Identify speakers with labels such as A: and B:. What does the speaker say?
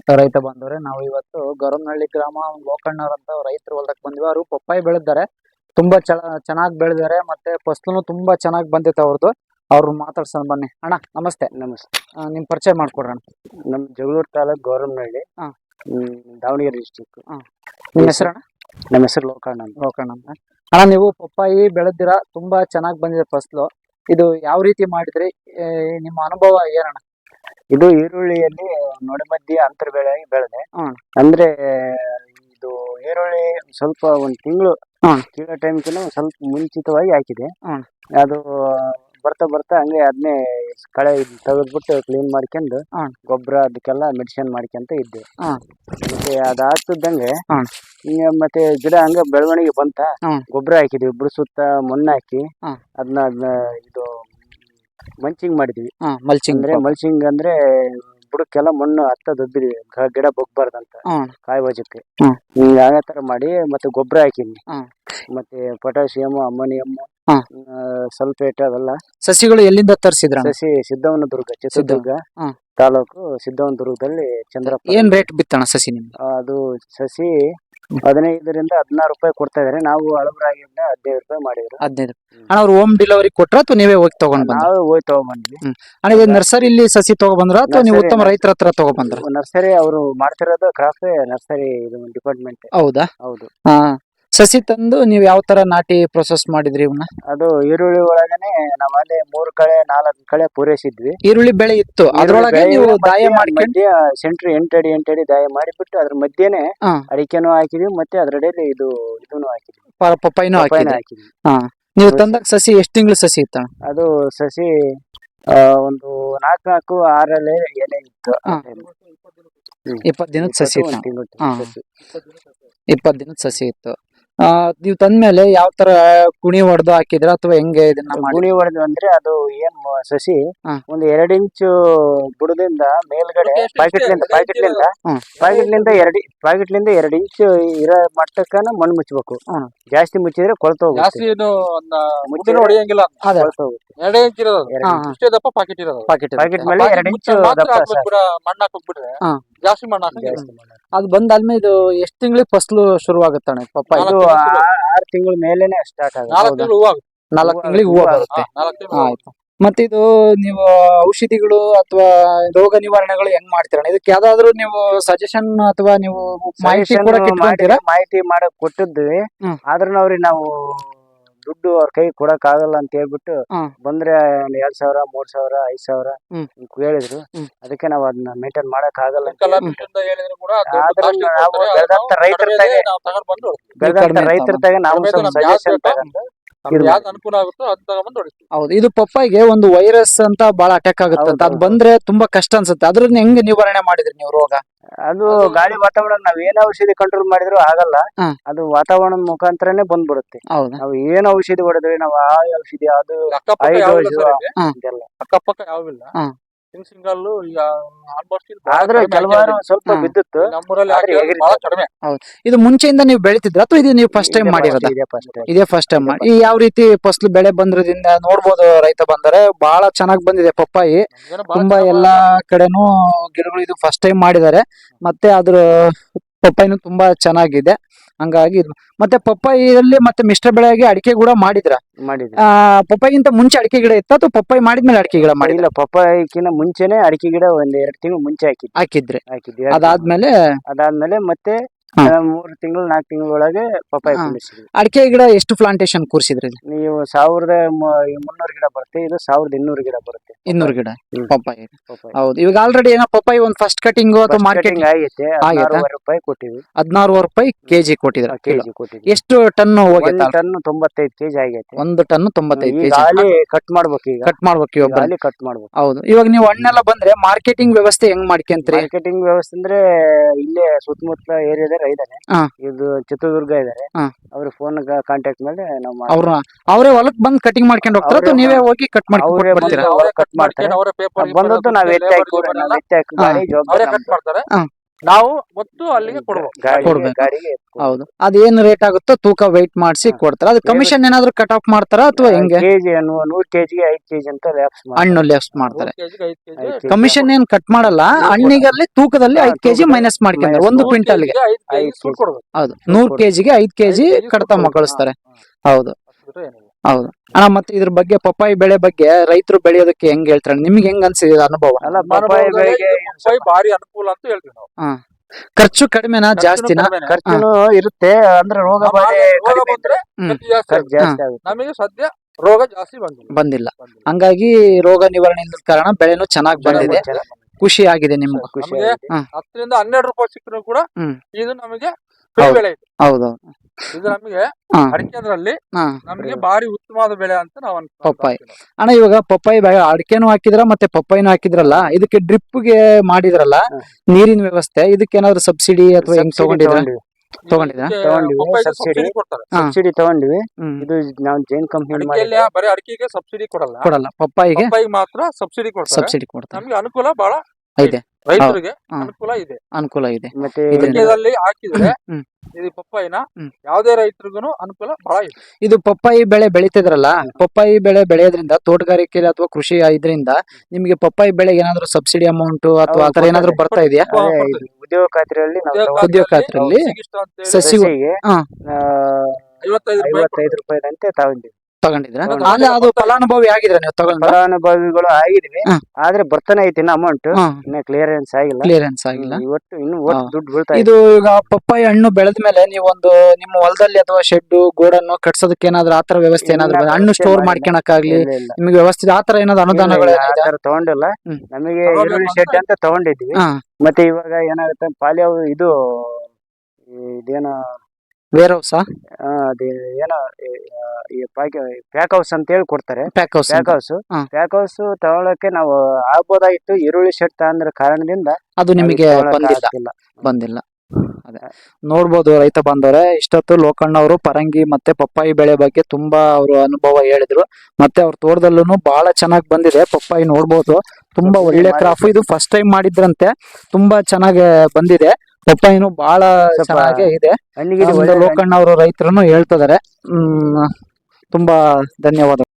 A: ರೈತ ಬಂದವ್ರೆ ನಾವು ಇವತ್ತು ಗೌರವನಹಳ್ಳಿ ಗ್ರಾಮ ಲೋಕಣ್ಣವ್ರ ಅಂತ ರೈತರು ಹೊಲಕ್ಕೆ ಬಂದ್ವಿ. ಅವರು ಪಪ್ಪಾಯಿ ಬೆಳೆದಿದ್ದಾರೆ, ತುಂಬಾ ಚೆನ್ನಾಗಿ ಬೆಳೆದಿದ್ದಾರೆ, ಮತ್ತೆ ಫಸಲು ತುಂಬಾ ಚೆನ್ನಾಗಿ ಬಂದಿತ್ತು ಅವ್ರದ್ದು. ಅವ್ರು ಮಾತಾಡ್ಸೋಣ ಬನ್ನಿ. ಅಣ್ಣ ನಮಸ್ತೆ.
B: ನಮಸ್ತೆ.
A: ನಿಮ್ ಪರಿಚಯ ಮಾಡ್ಕೊಡ್ರಣ.
B: ನಮ್ ಜಗಳೂರು ತಾಲೂಕ್ ಗೌರವನಹಳ್ಳಿ, ದಾವಣಗೆರೆ ಡಿಸ್ಟಿಕ್.
A: ನಿಮ್ಮ ಹೆಸರಣ್ಣ?
B: ನಮ್ಮ ಹೆಸರು ಲೋಕಣ್ಣ ಅಂತ.
A: ಲೋಕಣ್ಣ ಅಂತ. ಅಣ್ಣ ನೀವು ಪಪ್ಪಾಯಿ ಬೆಳೆದಿರಾ, ತುಂಬಾ ಚೆನ್ನಾಗಿ ಬಂದಿದೆ ಫಸಲು. ಇದು ಯಾವ ರೀತಿ ಮಾಡಿದ್ರಿ, ನಿಮ್ಮ ಅನುಭವ ಏನಣ್ಣ?
B: ಇದು ಈರುಳ್ಳಿಯಲ್ಲಿ ನೊಡಮಧ್ಯೆ ಅಂತರ ಬೆಳೆ ಬೆಳೆದೆ. ಅಂದ್ರೆ ಇದು ಈರುಳ್ಳಿ ಸ್ವಲ್ಪ ಒಂದ್ ತಿಂಗಳು ಕೀಳೋ ಟೈಮ್ಕಿನ್ನ ಸ್ವಲ್ಪ ಮುಂಚಿತವಾಗಿ ಹಾಕಿದೆ. ಅದು ಬರ್ತಾ ಬರ್ತಾ ಹಂಗೆ ಅದನ್ನೇ ಕಳೆ ತೆಗೆದ್ಬಿಟ್ಟು ಕ್ಲೀನ್ ಮಾಡ್ಕೊಂಡು ಗೊಬ್ಬರ ಅದಕ್ಕೆಲ್ಲ ಮೆಡಿಸಿನ್ ಮಾಡ್ಕೊಂತ ಇದ್ದೆ. ಮತ್ತೆ ಅದಾಗ್ತಿದ್ದಂಗೆ ಮತ್ತೆ ಗಿಡ ಹಂಗ ಬೆಳವಣಿಗೆ ಬಂತ, ಗೊಬ್ಬರ ಹಾಕಿದ್ವಿ, ಬುಡ ಸುತ್ತ ಮಣ್ಣು ಹಾಕಿ ಅದನ್ನ ಇದು ಮಲ್ಚಿಂಗ್ ಮಾಡಿದ್ವಿ. ಮಲ್ಚಿಂಗ್ ಅಂದ್ರೆ ಬುಡಕ್ಕೆಲ್ಲ ಮಣ್ಣು ಹತ್ತ ದೊಬ್ಬಿದ್ವಿ, ಗಿಡ ಬೊಗ್ಬಾರ್ದಂತ ಕಾಯಿ ವಜಕ್ಕೆ. ಅದೇ ತರ ಮಾಡಿ ಮತ್ತೆ ಗೊಬ್ಬರ ಹಾಕಿದ್ವಿ, ಮತ್ತೆ ಪೊಟ್ಯಾಸಿಯಮ್, ಅಮೋನಿಯಂ, ಸಲ್ಫೇಟ್ ಅವೆಲ್ಲ.
A: ಸಸಿಗಳು ಎಲ್ಲಿಂದ ತರಿಸಿದ್ರ?
B: ಸಸಿ ಸಿದ್ದವನದುರ್ಗ, ಚಿತ್ರದುರ್ಗ ತಾಲೂಕು ಸಿದ್ದವನದುರ್ಗದಲ್ಲಿ ಚಂದ್ರಪ್ಪ.
A: ಏನ್ ರೇಟ್ ಬಿತ್ತಣ ಸಸಿ ನಿಮ್ಗೆ?
B: ಅದು ಸಸಿ 15ರಿಂದ 16 ರೂಪಾಯಿ ಕೊಡ್ತಾ ಇದಾರೆ. ನಾವು ಹಳಬರಾಗಿಂದ 15 ರೂಪಾಯಿ ಮಾಡಿದ್ರು.
A: 15. ಅಣ್ಣ ಅವ್ರು ಹೋಮ್ ಡೆಲಿವರಿ ಕೊಟ್ರ ಅಥವಾ ನೀವೇ ಹೋಗಿ ತಗೊಂಡ್ ಬಂದ್ರ?
B: ನಾವು ಹೋಗಿ ತಗೊಂಡ್ಬಂದ್ವಿ.
A: ಅಣ್ಣ ಇದು ನರ್ಸರಿಲಿ ಸಸಿ ತಗೊಬಂದ್ರ ಅಥವಾ ನೀವು ಉತ್ತಮ ರೈತರ ಹತ್ರ ತಗೊಬಂದ್ರ?
B: ನರ್ಸರಿ ಅವರು ಮಾಡ್ತಿರೋದು ಕ್ರಾಫ್ಟ್ ನರ್ಸರಿ ಡಿಪಾರ್ಟ್ಮೆಂಟ್.
A: ಹೌದಾ?
B: ಹೌದು.
A: ಸಸಿ ತಂದು ನೀವು ಯಾವ ತರ ನಾಟಿ ಪ್ರೊಸೆಸ್ ಮಾಡಿದ್ರಿ ಇವನ್ನ?
B: ಅದು ಈರುಳ್ಳಿ ಒಳಗನೆ ನಾವ್ ಅಲ್ಲಿ 3 ಕಳೆ 4 ಕಳೆ ಪೂರೈಸಿದ್ವಿ.
A: ಈರುಳ್ಳಿ ಬೆಳೆ ಇತ್ತು, ಅದ್ರೊಳಗೆ ನೀವು ದಾಯ ಮಾಡ್ಕೊಂಡು
B: ಸೆಂಟ್ರ್ 8 ಅಡಿ ದಾಯ ಮಾಡಿಬಿಟ್ಟು ಅದ್ರ ಮಧ್ಯೆನೆ ಅಡಿಕೆನೂ ಹಾಕಿದ್ವಿ, ಮತ್ತೆ ಅದ್ರಡೆಯಲ್ಲಿ ಇದನ್ನು ಹಾಕಿದ್ವಿ,
A: ಪಪ್ಪಾಯಿನೂ ಹಾಕಿದ್ವಿ. ನೀವು ತಂದಾಗ ಸಸಿ ಎಷ್ಟು ತಿಂಗಳು ಸಸಿ ಇತ್ತ?
B: ಅದು ಸಸಿ ಒಂದು 4 6 ಎಲೆ ಇತ್ತು.
A: 20 ದಿನದ ಸಸಿ ಇತ್ತು. 20 ದಿನದ ಸಸಿ ಇತ್ತು. ನೀವು ತಂದ್ಮೇಲೆ ಯಾವ ತರ ಕುಣಿ ಹೊಡೆದು ಹಾಕಿದ್ರ ಅಥವಾ ಹೆಂಗೆ ಇದನ್ನ?
B: ಕುಣಿ ಹೊಡೆದು ಅಂದ್ರೆ ಅದು ಏನ್ ಸಸಿ ಒಂದು 2 ಇಂಚು ಬುಡದಿಂದ ಮೇಲ್ಗಡೆ ಪಾಕೆಟ್ಲಿಂದ 2 ಇಂಚು ಇರೋ ಮಟ್ಟಕ್ಕನ ಮಣ್ಣು ಮುಚ್ಚಬೇಕು. ಜಾಸ್ತಿ ಮುಚ್ಚಿದ್ರೆ ಕೊಳ್ತು ಹೋಗುತ್ತೆ. ಪಾಕೆಟ್ ಮೇಲೆ 2 ಇಂಚು
A: ಜಾಸ್ತಿ ಮಣ್ಣು ಅದು ಬಂದಾದ್ಮೇಲೆ ಇದು ಎಷ್ಟು ತಿಂಗಳಿಗೆ ಫಸಲು ಶುರುವಾಗುತ್ತಾನೆ ಪಪ್ಪಾಯಿ?
B: 6 ತಿಂಗಳ ಮೇಲೆನೆ ಸ್ಟಾರ್ಟ್ ಆಗುತ್ತೆ.
A: 4 ತಿಂಗಳಿಗೆ ಹೂವು ಬರುತ್ತೆ. ಆಯ್ತು. ಮತ್ತೆ ಇದು ನೀವು ಔಷಧಿಗಳು ಅಥವಾ ರೋಗ ನಿವಾರಣೆಗಳು ಹೆಂಗ್ ಮಾಡ್ತೀರ? ಇದಕ್ಕೆ ಯಾವ್ದಾದ್ರು ನೀವು ಸಜೆಷನ್ ಅಥವಾ ನೀವು ಮಾಹಿತಿ
B: ಮಾಡಕ್ ಕೊಟ್ಟಿದ್ವಿ. ಆದ್ರೂ ಅವ್ರಿಗೆ ನಾವು ದುಡ್ಡು ಅವ್ರ ಕೈ ಕೊಡಕ್ ಆಗಲ್ಲ ಅಂತ ಹೇಳ್ಬಿಟ್ಟು ಬಂದ್ರೆ 2,000 3,000 5,000 ಹೇಳಿದ್ರು. ಅದಕ್ಕೆ ನಾವ್ ಅದನ್ನ ಮೇಂಟೈನ್ ಮಾಡಕ್ ಆಗಲ್ಲ ಅಂತ ರೈತರ ತಾಗ ನಾವು ಸಜೆಷನ್ ತಗೊಂಡು
C: ಅನುಕೂಲ ಆಗುತ್ತೋ ಅದ್ ತಗೊಂಡ್ಬಂದು ಹೊಡಿತೀವಿ.
A: ಹೌದು. ಇದು ಪಪ್ಪಾಯಿಗೆ ಒಂದು ವೈರಸ್ ಅಂತ ಬಹಳ ಅಟ್ಯಾಕ್ ಆಗುತ್ತೆ, ಅದ್ ಬಂದ್ರೆ ತುಂಬಾ ಕಷ್ಟ ಅನ್ಸುತ್ತೆ. ಅದ್ರನ್ನ ಹೆಂಗ್ ನಿವಾರಣೆ ಮಾಡಿದ್ರಿ ನೀವು ರೋಗ?
B: ಅದು ಗಾಳಿ ವಾತಾವರಣ ನಾವ್ ಏನ್ ಔಷಧಿ ಕಂಟ್ರೋಲ್ ಮಾಡಿದ್ರು ಆಗಲ್ಲ, ಅದು ವಾತಾವರಣದ ಮುಖಾಂತರನೇ ಬಂದ್ಬಿಡುತ್ತೆ. ನಾವು ಏನ್ ಔಷಧಿ ಹೊಡೆದ್ವಿ, ನಾವು ಆ ಔಷಧಿ ಅದು
C: ಅಕ್ಕಪಕ್ಕ ಯಾವಿಲ್ಲ.
B: ಆದ್ರೆ ಕೆಲವಾರು ಸ್ವಲ್ಪ ಬಿದ್ದಿತ್ತು.
A: ಇದು ಮುಂಚೆಯಿಂದ ನೀವು ಬೆಳಿತಿದ್ರ ಅಥವಾ ಇದು ನೀವು ಫಸ್ಟ್ ಟೈಮ್ ಮಾಡಿರೋದ? ಇದೇ ಫಸ್ಟ್ ಟೈಮ್. ಈ ಯಾವ ರೀತಿ ಫಸಲು ಬೆಳೆ ಬಂದ್ರದಿಂದ ನೋಡ್ಬೋದು, ರೈತ ಬಂದರೆ ಬಹಳ ಚೆನ್ನಾಗಿ ಬಂದಿದೆ ಪಪ್ಪಾಯಿ. ತುಂಬಾ ಎಲ್ಲಾ ಕಡೆನೂ ಗಿಡಗಳು ಇದು ಫಸ್ಟ್ ಟೈಮ್ ಮಾಡಿದ್ದಾರೆ. ಮತ್ತೆ ಅದ್ರ ಪಪ್ಪಾಯಿನೂ ತುಂಬಾ ಚೆನ್ನಾಗಿದೆ. ಹಂಗಾಗಿ ಮತ್ತೆ ಪಪ್ಪಾಯಿಯಲ್ಲಿ ಮತ್ತೆ ಮಿಶ್ರ ಬೆಳೆಯಾಗಿ ಅಡಿಕೆ ಕೂಡ ಮಾಡಿದ್ರ? ಪಪ್ಪಾಯಿಗಿಂತ ಮುಂಚೆ ಅಡಿಕೆ ಗಿಡ ಇತ್ತ ಅಥವಾ ಪಪ್ಪಾಯಿ ಮಾಡಿದ್ಮೇಲೆ ಅಡಿಕೆ ಗಿಡ ಮಾಡಿಲ್ಲ?
B: ಪಪ್ಪಾಯಿಕಿನ ಮುಂಚೆನೆ ಅಡಿಕೆ ಗಿಡ 1-2 ತಿಂಗಳು ಮುಂಚೆ ಹಾಕಿದ್ರಿ. ಅದಾದ್ಮೇಲೆ ಮತ್ತೆ 3 ತಿಂಗಳು 4 ತಿಂಗಳ ಒಳಗೆ ಪಪ್ಪಾಯಿ ಕುಂಡಿಸಿದ್ವಿ.
A: ಅಡಿಕೆ ಗಿಡ ಎಷ್ಟು ಪ್ಲಾಂಟೇಶನ್ ಕೂರಿಸಿದ್ರಿ?
B: ನೀವು 1,300 ಗಿಡ ಬರುತ್ತೆ, ಇದು 1,200 ಗಿಡ ಬರುತ್ತೆ.
A: 200 ಗಿಡ ಪಪ್ಪಾಯಿ. ಹೌದು. ಇವಾಗ ಆಲ್ರೆಡಿ ಏನೋ ಪಪ್ಪಾಯಿ ಒಂದು ಫಸ್ಟ್ ಕಟಿಂಗ್ ಅಥವಾ ಮಾರ್ಕೆಟಿಂಗ್
B: ಆಗೈತೆ. 16 ರೂಪಾಯಿ ಕೊಟ್ಟಿವಿ.
A: 16 ರೂಪಾಯಿ ಕೆಜಿ ಕೊಟ್ಟಿದ್ರ? ಎಷ್ಟು ಟನ್ ಹೋಗೈತೆ?
B: ಟನ್ 95 ಕೆಜಿ ಆಗೈತೆ.
A: 1 ಟನ್ 95 ಕೆಜಿ.
B: ಕಟ್ ಮಾಡ್ಬೇಕು ಈಗ.
A: ಕಟ್
B: ಮಾಡ್ಬೇಕು.
A: ಹೌದು. ಇವಾಗ ನೀವು ಹಣ್ಣೆಲ್ಲ ಬಂದ್ರೆ ಮಾರ್ಕೆಟಿಂಗ್ ವ್ಯವಸ್ಥೆ ಹೆಂಗ್ ಮಾಡ್ಕೊಂತೀರಿ?
B: ಮಾರ್ಕೆಟಿಂಗ್ ವ್ಯವಸ್ಥೆ ಅಂದ್ರೆ ಇಲ್ಲೇ ಸುತ್ತಮುತ್ತ ಏರಿಯಾದ ಇದಾರೆ, ಇದು ಚಿತ್ರದುರ್ಗ ಇದಾರೆ. ಅವ್ರ ಫೋನ್ ಕಾಂಟ್ಯಾಕ್ಟ್ ಮೇಲೆ ನಾವು
A: ಅವರೇ ಹೊಲಕ್ ಬಂದ್ ಕಟಿಂಗ್ ಮಾಡ್ಕೊಂಡು ಹೋಗ್ತಾರ ಅಥವಾ ನೀವೇ ಹೋಗಿ ಕಟ್
B: ಮಾಡ್ತಾರೆ? ಬಂದದ್ದು ನಾವ್ ಎತ್ತಿ ಹಾಕಿ ಗಾಡಿ ಜವಾಬ್ದಾರಿ
C: ನಾವು ಮತ್ತು ಅಲ್ಲಿಗೆ ಕೊಡ್ಬೇಕು.
A: ಕೊಡ್ಬೇಕು.
B: ಗಾಡಿಗೆ
A: ಹೌದು ಅದೇನ್ ರೇಟ್ ಆಗುತ್ತೋ ತೂಕ ವೆಯ್ಟ್ ಮಾಡಿಸಿ ಕೊಡ್ತಾರ. ಅದು ಕಮಿಷನ್ ಏನಾದ್ರು ಕಟ್ ಆಫ್ ಮಾಡ್ತಾರ ಅಥವಾ ಹೆಂಗೆ?
B: ಕೆಜಿ 100 ಕೆಜಿಗೆ 5 ಕೆಜಿ ಅಂತ ಲ್ಯಾಪ್ಸ್
A: ಹಣ್ಣು ಲೆಫ್ಟ್ ಮಾಡ್ತಾರೆ.
C: 3 ಕೆಜಿಗೆ 5 ಕೆಜಿ
B: ಐದು
A: ಕಮಿಷನ್ ಏನ್ ಕಟ್ ಮಾಡಲ್ಲ, ಹಣ್ಣಿಗಲ್ಲಿ ತೂಕದಲ್ಲಿ 5 ಕೆಜಿ ಮೈನಸ್ ಮಾಡ್ಕೊಂಡ್ರೆ 1 ಕ್ವಿಂಟಲ್ಗೆ.
C: 5 ಕೆಜಿ ಸುಟ್ಟು ಕೊಡ್ಬೇಕು.
A: ಹೌದು 100 ಕೆಜಿಗೆ 5 ಕೆಜಿ ಕಡ್ತ ಮಕ್ಕಳಿಸ್ತಾರೆ. ಹೌದು
C: ಅಷ್ಟು ಬಿಟ್ರೆ ಏನಿಲ್ಲ.
A: ಹೌದು ಅಣ್ಣ. ಮತ್ತೆ ಇದ್ರ ಬಗ್ಗೆ ಪಪ್ಪಾಯಿ ಬೆಳೆ ಬಗ್ಗೆ ರೈತರು ಬೆಳೆಯೋದಕ್ಕೆ ಹೆಂಗ್ ಹೇಳ್ತಾರೆ? ನಿಮ್ಗೆ ಹೆಂಗ್ ಅನ್ಸಿದೆ ಅನುಭವ?
B: ಅಲ್ಲ ಪಪ್ಪಾಯ ಬೆಳೆಗೆ
C: ಪಪ್ಪಾಯಿ ಭಾರಿ ಅನುಕೂಲ ಅಂತ ಹೇಳ್ತೀವಿ ನಾವು.
A: ಖರ್ಚು ಕಡಿಮೆನಾ ಜಾಸ್ತಿನಾ?
C: ಕಡಿಮೆನೆ.
B: ಖರ್ಚುನು ಇರುತ್ತೆ, ಅಂದ್ರೆ ರೋಗ
C: ಆ
B: ಬಾಧೆ
C: ರೋಗ
B: ಕಡಿಮೆ
C: ಬಂದ್ರೆ
A: ಹ್ಮ್.
C: ಖರ್ಚು ಜಾಸ್ತಿ
B: ಖರ್ಚು
C: ಆಗುತ್ತೆ.
B: ಜಾಸ್ತಿ ಆಗುತ್ತೆ.
C: ನಮಗೆ ಸದ್ಯ ರೋಗ ಜಾಸ್ತಿ ಬಂದಿಲ್ಲ.
A: ಬಂದಿಲ್ಲ. ಹಂಗಾಗಿ ರೋಗ ನಿವಾರಣೆ ಇಲ್ಲದ ಕಾರಣ ಬೆಳೆನೂ ಚೆನ್ನಾಗಿ ಬಂದಿದೆ. ಖುಷಿ ಆಗಿದೆ ನಿಮ್ಗೆ?
B: ಖುಷಿ
C: ನಮಗೆ
B: ಆಗಿದೆ.
C: 10 ರಿಂದ 12 ರೂಪಾಯಿ ಸಿಕ್ಕರೂ ಕೂಡ
A: ಹ್ಮ್.
C: ಇದು ನಮಗೆ ಫ್ರೀ
A: ಹೌದು.
C: ಬೆಳೆ ಇದೆ.
A: ಹೌದು
C: ಇದು ನಮಗೆ
A: ಹಾ
C: ಅಡಿಕೆದ್ರಲ್ಲಿ
A: ಹಾ
C: ನಮಗೆ ಭಾರಿ ಉತ್ತಮವಾದ ಬೆಳೆ ಅಂತ ನಾವು
A: ಪಪ್ಪಾಯಿ. ಅಣ್ಣ ಇವಾಗ ಪಪ್ಪಾಯಿ ಅಡಿಕೆನೂ ಹಾಕಿದ್ರ ಮತ್ತೆ ಪಪ್ಪಾಯಿನೂ ಹಾಕಿದ್ರಲ್ಲ, ಇದಕ್ಕೆ ಡ್ರಿಪ್ಗೆ ಮಾಡಿದ್ರಲ್ಲ ನೀರಿನ ವ್ಯವಸ್ಥೆ, ಇದಕ್ಕೆ ಏನಾದ್ರು ಸಬ್ಸಿಡಿ ಅಥವಾ ಹೆಂಗ್ ತಗೊಂಡಿದ್ರ? ತಗೊಂಡಿದ್ರಾ?
B: ತಗೊಂಡಿವಿ.
C: ಸಬ್ಸಿಡಿ ಕೊಡ್ತಾರೆ.
B: ಸಬ್ಸಿಡಿ ತಗೊಂಡಿವಿ.
A: ಹ್ಮ್.
B: ಇದು ನಾವು ಜೈನ್ ಕಂಪ್ನಿ
C: ಅಡಿಕೆಯಲ್ಲಿ ಬರೀ ಅಡಿಕೆಗೆ ಸಬ್ಸಿಡಿ ಕೊಡಲ್ಲ,
A: ಕೊಡಲ್ಲ, ಪಪ್ಪಾಯಿಗೆ
C: ಪಪ್ಪಾಯಿಗೆ ಮಾತ್ರ ಸಬ್ಸಿಡಿ ಕೊಡ್ತಾರೆ.
A: ಸಬ್ಸಿಡಿ ಕೊಡ್ತಾರೆ.
C: ನಮ್ಗೆ ಅನುಕೂಲ ಬಹಳ
A: ಇದೆ,
C: ರೈತರಿಗೆ
A: ಹಾ.
C: ಅನುಕೂಲ ಇದೆ.
A: ಅನುಕೂಲ ಇದೆ.
B: ಮತ್ತೆ
A: ಇದರಿಂದ-
C: ಅಡಿಕೆದಲ್ಲಿ ಹಾಕಿದ್ರೆ
A: ಹ್ಮ್.
C: ಇದು ಪಪ್ಪಾಯಿನ
A: ಹ್ಮ್.
C: ಯಾವುದೇ ರೈತರಿಗೂ ಅನುಕೂಲ ಬಹಳ ಇದೆ.
A: ಇದು ಪಪ್ಪಾಯಿ ಬೆಳೆ ಬೆಳಿತಿದ್ರಲ್ಲ, ಪಪ್ಪಾಯಿ ಬೆಳೆ ಬೆಳೆಯೋದ್ರಿಂದ ತೋಟಗಾರಿಕೆ ಅಥವಾ ಕೃಷಿ ಇದರಿಂದ ನಿಮ್ಗೆ ಪಪ್ಪಾಯಿ ಬೆಳೆಗೆ ಏನಾದ್ರು ಸಬ್ಸಿಡಿ ಅಮೌಂಟ್ ಅಥವಾ ಆತರ ಏನಾದ್ರು ಬರ್ತಾ ಇದೆಯಾ?
B: ಅದೇ ಇದು ಉದ್ಯೋಗ ಖಾತ್ರಿಯಲ್ಲಿ ನಾವು
A: ಉದ್ಯೋಗ ಖಾತ್ರಿಯಲ್ಲಿ
C: ಸಿಗಿಷ್ಟ ಅಂತ ಹೇಳಿ
A: ಸಸಿ
B: ಸಸಿಗೆ
A: ಹಾ.
C: 55 ರೂಪಾಯಿ
B: 55 ರೂಪಾಯಿದಂತೆ ತಗೊಂಡಿವಿ.
A: ತಗೊಂಡಿದ್ರ?
C: ಹೌದು.
A: ಆದ್ರೆ ಅದು ಫಲಾನುಭವಿ ಆಗಿದ್ರ ನೀವು ತಗೊಂಡ್ರ?
B: ಫಲಾನುಭವಿಗಳು ಆಗಿದ್ವಿ,
A: ಹಾ.
B: ಆದ್ರೆ ಬರ್ತಾನೆ ಐತಿ ಇನ್ನ ಅಮೌಂಟ್, ಇನ್ನ ಕ್ಲಿಯರೆನ್ಸ್ ಆಗಿಲ್ಲ.
A: ಕ್ಲಿಯರೆನ್ಸ್ ಆಗಿಲ್ಲ.
B: ಇವತ್ತು ಇನ್ನು
A: ಹಾ.
B: ದುಡ್ಡು ಬೀಳ್ತಾ ಇದೆ.
A: ಇದು ಈಗ ಪಪ್ಪಾಯಿ ಹಣ್ಣು ಬೆಳೆದ ಮೇಲೆ ನೀವೊಂದು ನಿಮ್ಮ ಹೊಲದಲ್ಲಿ ಅಥವಾ ಶೆಡ್ ಗೋಡನ್ನು ಕಟ್ಸೋದಕ್ಕೆ ಏನಾದ್ರು ಆತರ ವ್ಯವಸ್ಥೆ ಏನಾದ್ರು
B: ಇಲ್ಲ,
A: ಹಣ್ಣು
B: ವ್ಯವಸ್ಥೆ
A: ಸ್ಟೋರ್
B: ಮಾಡಿಲ್ಲ.
A: ಮಾಡ್ಕೊಳಕ್ಕಾಗ್ಲಿ
B: ಇಲ್ಲ, ಇಲ್ಲ.
A: ನಿಮಗೆ ವ್ಯವಸ್ಥೆ ಆತರ ಏನಾದ್ರು ಅನುದಾನಗಳು
B: ಇಲ್ಲ, ಆ ತರ ತಗೊಂಡಿಲ್ಲ.
A: ಹ್ಮ್.
B: ನಮಗೆ
C: ತಗೊಳ್ಬೇಕು
B: ಈರುಳ್ಳಿ
C: ಅಂತ
B: ಶೆಡ್ ಅಂತ ತಗೊಂಡಿದ್ವಿ.
A: ಹಾ
B: ಮತ್ತೆ ಇವಾಗ ಏನಾಗುತ್ತೆ ಪಾಲಿ ಇದು ಇದೇನೋ
A: ವೇರ್ ಹೌಸ್
B: ಅದೇ ಏನೋ ಪ್ಯಾಕ್ ಹೌಸ್ ಅಂತ ಹೇಳಿ ಕೊಡ್ತಾರೆ.
A: ಪ್ಯಾಕ್ ಹೌಸ್
B: ಪ್ಯಾಕ್ ಹೌಸ್
A: ಹಾ.
B: ಪ್ಯಾಕ್ ಹೌಸ್ ತಗೊಳಕ್ಕೆ ನಾವು ಆಗ್ಬೋದಾಗಿತ್ತು, ಈರುಳ್ಳಿ ಶೆಡ್ ತಗೊಂಡ್ರ ಕಾರಣದಿಂದ
A: ಅದು ನಿಮಗೆ
B: ತಗೊಳಕ್
A: ಬಂದಿಲ್ಲ.
B: ಆಗ್ತಿಲ್ಲ.
A: ಬಂದಿಲ್ಲ. ಅದೇ ನೋಡ್ಬೋದು ರೈತ ಬಾಂಧವರೇ, ಇಷ್ಟೊತ್ತು ಲೋಕಣ್ಣ ಅವರು ಪರಂಗಿ ಮತ್ತೆ ಪಪ್ಪಾಯಿ ಬೆಳೆ ಬಗ್ಗೆ ತುಂಬಾ ಅವರು ಅನುಭವ ಹೇಳಿದ್ರು. ಮತ್ತೆ ಅವ್ರ ತೋಟದಲ್ಲೂ ಬಹಳ ಚೆನ್ನಾಗಿ ಬಂದಿದೆ ಪಪ್ಪಾಯಿ. ನೋಡ್ಬೋದು ತುಂಬಾ ಒಳ್ಳೆ ಕ್ರಾಫ್. ಇದು ಫಸ್ಟ್ ಟೈಮ್ ಮಾಡಿದ್ರಂತೆ, ತುಂಬಾ ಚೆನ್ನಾಗಿ ಬಂದಿದೆ. ಪಪ್ಪಾಯಿನೂ ಬಹಳ
B: ಸ್ವಲ್ಪ
A: ಚೆನ್ನಾಗೇ ಇದೆ.
B: ಹಣ್ಣಿಗೆ
A: ಲೋಕಣ್ಣ ಅವರು ರೈತರನ್ನು ಹೇಳ್ತಿದ್ದಾರೆ. ತುಂಬಾ ಧನ್ಯವಾದ.